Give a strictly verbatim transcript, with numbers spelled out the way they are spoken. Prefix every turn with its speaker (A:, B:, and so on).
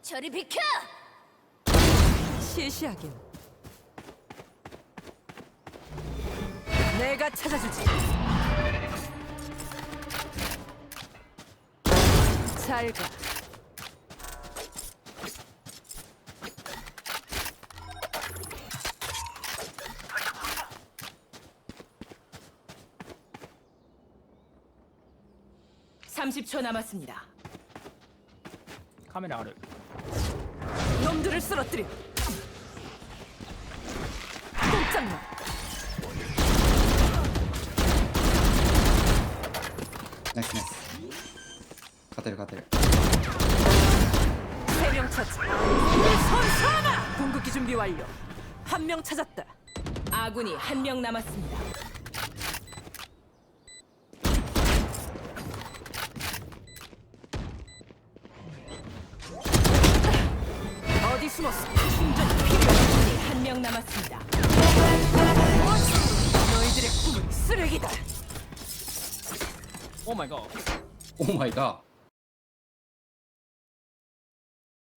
A: 저리 비켜!
B: 시시하긴. 내가 찾아주지. 잘 가. 삼십 초 남았습니다.
C: 카메라 아래.
B: 놈들을 쓰러뜨려. 꼼짝마.
D: 나이스 나이스. 가테르 가테르.
B: 세 명 찾자. 선수 하나. 궁극기 준비 완료. 한 명 찾았다. 아군이 한 명 남았습니다. 어디 숨었어? 충전 필요해. 한 명 남았습니다. 너희들의 꿈은 쓰레기다.
C: 오 마이 갓.
D: 오 마이 갓.